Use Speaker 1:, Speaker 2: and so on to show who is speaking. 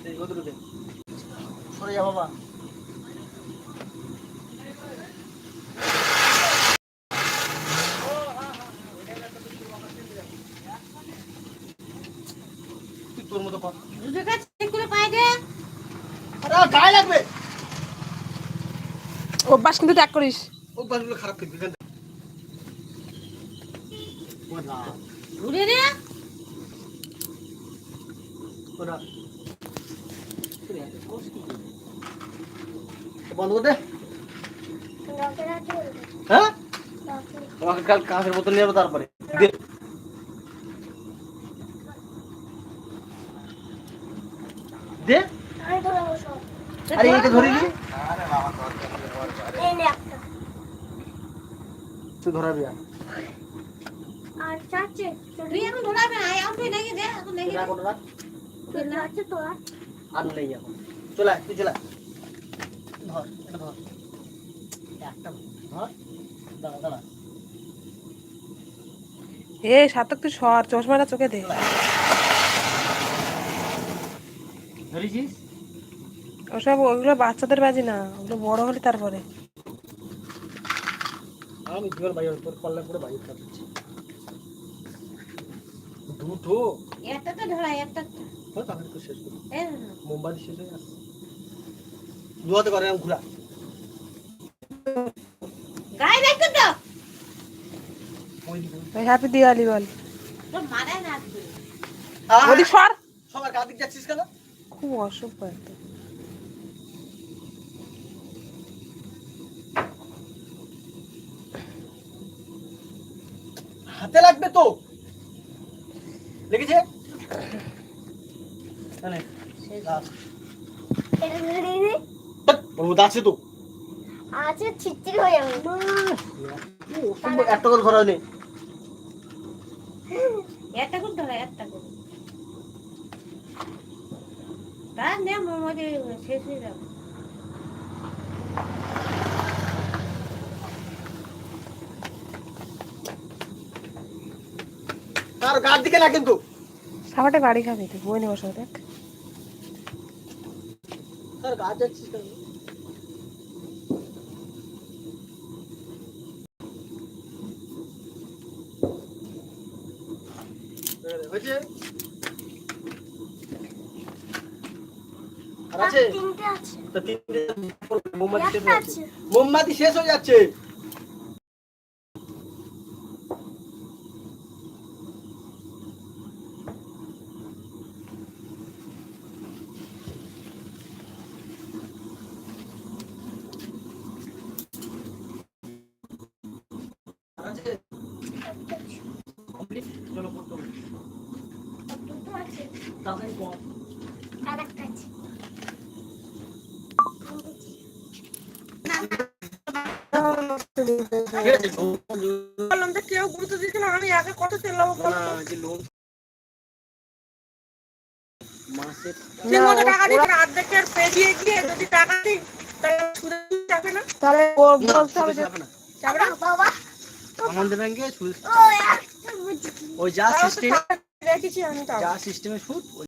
Speaker 1: সরে যা বাবা। তোর মতো গায়ে লাগবে।
Speaker 2: অভ্যাস কিন্তু ত্যাগ করিস।
Speaker 1: অভ্যাসগুলো খারাপ করবি কেন?
Speaker 3: ঘুরে রে
Speaker 1: বন্ধ করে দে। হ্যাঁ আমাকে কাল কাঁচের বোতল নিয়ে যাবো তারপরে দে। দে আরে এইটা ধরে নি তুই ধরাবি আর
Speaker 3: তুই এখন ধরাবে না এখন তুই লেগে দে এখন লেগে দে
Speaker 1: আর নেই এখন। চলে আয়, তুই চলে আয়। ধর এটা ধর একটা ধর দাঁড়া দাঁড়া
Speaker 2: এ সার্থক তুই সর, চশমাটা চোখে দে।
Speaker 1: ধরেছিস?
Speaker 2: ওসব ওগুলো বাচ্চাদের বাজি না, ওগুলো বড় হলে তারপরে।
Speaker 1: আমি জীবন বাইরে তোর পাল্লা করে বাইরে কাটছি দুটো
Speaker 3: একটা তো ধরা একটা
Speaker 1: তো তাহলে তো শেষ করি।
Speaker 3: এই
Speaker 1: মোমবাতি শেষ হয়ে গেছে। দুয়াতে করে আমি ঘুরা
Speaker 3: গায়ে রাখতে তো
Speaker 2: ওই হ্যাপি দিওয়ালি বল।
Speaker 3: তো মারাই না আসবে
Speaker 2: ওদি সর,
Speaker 1: সবার গা দিক যাচ্ছিস কেন?
Speaker 2: খুব অসভ্য একদম।
Speaker 1: হাতে লাগবে তো লেগেছে আছে তো
Speaker 4: আছে ছিটচির হয়ে যাবে
Speaker 1: একটা করে ধরা নেই।
Speaker 3: একটা করে ধরা একটা করে তার নে মোমোতে শেষ হয়ে যাবে
Speaker 1: তার গার দিকে না কিন্তু
Speaker 2: সাবাটে বাড়ি খাবি তুই, বই নেবো সব দেখ।
Speaker 1: তার গা যাচ্ছিস কেন? হয়েছে আর আছে
Speaker 4: তিনটে আছে
Speaker 1: তা তিনটে মোমবাতি শেষ
Speaker 4: একটা
Speaker 1: হয়ে
Speaker 4: আছে
Speaker 1: যাচ্ছে। মোমবাতি শেষ হয়ে যাচ্ছে। আছে কমপ্লিট চলো করতে হবে
Speaker 4: দুটো আছে
Speaker 1: তাড়াতাড়ি কর।
Speaker 4: আর একটা আছে
Speaker 1: ঠিক আছে
Speaker 2: বললাম তো কেউ গুরুত্ব দিচ্ছে না, আমি একা কত চেল্লাবো বল।
Speaker 1: না যে লোন মাসে
Speaker 2: ঠিক মতো টাকা দিচ্ছে না, অর্ধেকের পেরিয়ে গিয়ে যদি টাকা দিই তাহলে সুদে যাবে না, তাহলে বলতে হবে যে
Speaker 1: যাবে না
Speaker 2: যাবে না।
Speaker 4: বাবা
Speaker 1: আমাদের ব্যাংকে সুদ
Speaker 4: ও একটা বুঝি
Speaker 1: ওই যা সিস্টেম
Speaker 2: রেখেছি আমি, তাও
Speaker 1: যা সিস্টেমে সুদ